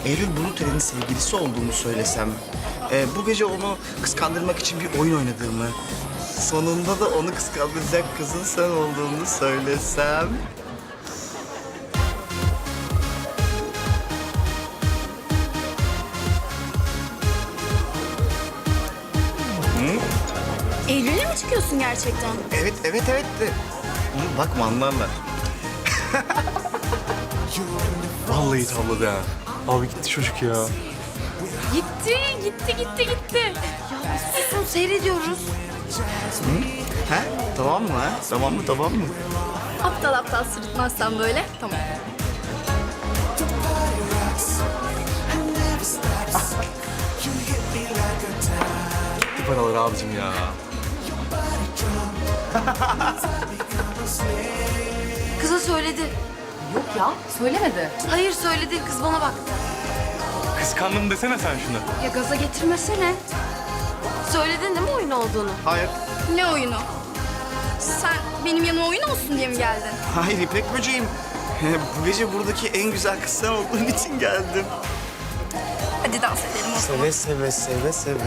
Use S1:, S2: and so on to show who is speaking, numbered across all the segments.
S1: Eylül Buluteli'nin sevgilisi olduğumu söylesem, bu gece onu kıskandırmak için bir oyun oynadığımı, sonunda da onu kıskandıracak kızın sen olduğunu söylesem...
S2: Eylül'le mi çıkıyorsun gerçekten?
S1: Evet de. Bakma anlarlar.
S3: Vallahi tavladı ha. Abi gitti çocuk ya.
S2: Gitti. Ya biz susun seyrediyoruz.
S1: Ha? Tamam mı ha? Tamam mı?
S2: Aptal sırıtmazsan böyle. Tamam.
S3: Gitti paralar abicim ya.
S4: Kıza söyledi.
S5: Yok ya, söylemedi.
S4: Hayır söyledi. Kız bana baktı.
S3: Kıskandım desene sen şunu.
S4: Ya gaza getirmesene. Söyledin değil mi oyun olduğunu?
S1: Hayır.
S2: Ne oyunu? Sen benim yanıma oyun olsun diye mi geldin?
S1: Hayır İpek böceğim. Bu gece buradaki en güzel kız sen olduğun için geldim.
S2: Hadi dans edelim o zaman.
S1: Seve.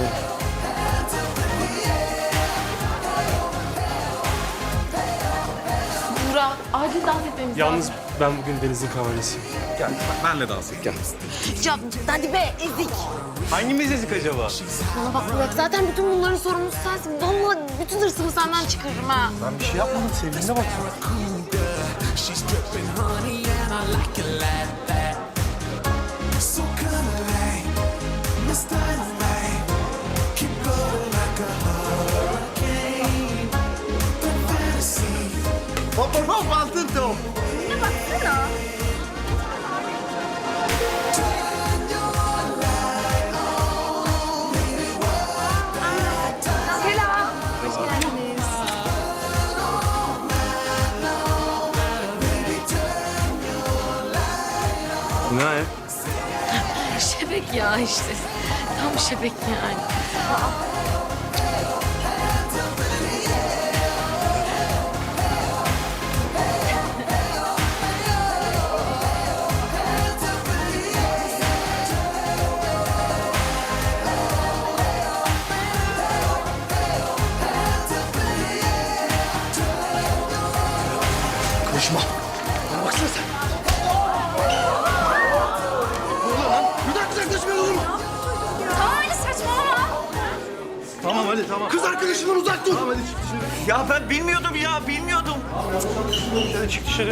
S5: Buğra, acil dans etmemiz
S3: Yalnız ben bugün Deniz'in kavalyesiyim. Gel benle dans et gel.
S4: Ya hadi be ezik.
S3: Hangimiz ezik acaba?
S4: Bana bak Burak zaten bütün bunların sorumlusu sensin. Vallahi bütün hırsımı senden çıkarırım ha.
S3: Ben bir şey yapmadım sevgiline bak.
S6: She's dripping honey and I like it like that. So come alive, let's start alive. Keep going like a hurricane. The fantasy.
S1: Hop altın top.
S2: Ne baksana. Selam. Hoş geldiniz.
S3: Ne ya?
S4: Şebek ya işte. Tam şebek yani.
S1: Konuşma. Bana baksana sen.
S2: Tamam öyle saçmalama.
S3: Tamam hadi tamam.
S1: Kız arkadaşından uzak dur. Ya ben bilmiyordum.
S3: Hadi çık dışarı.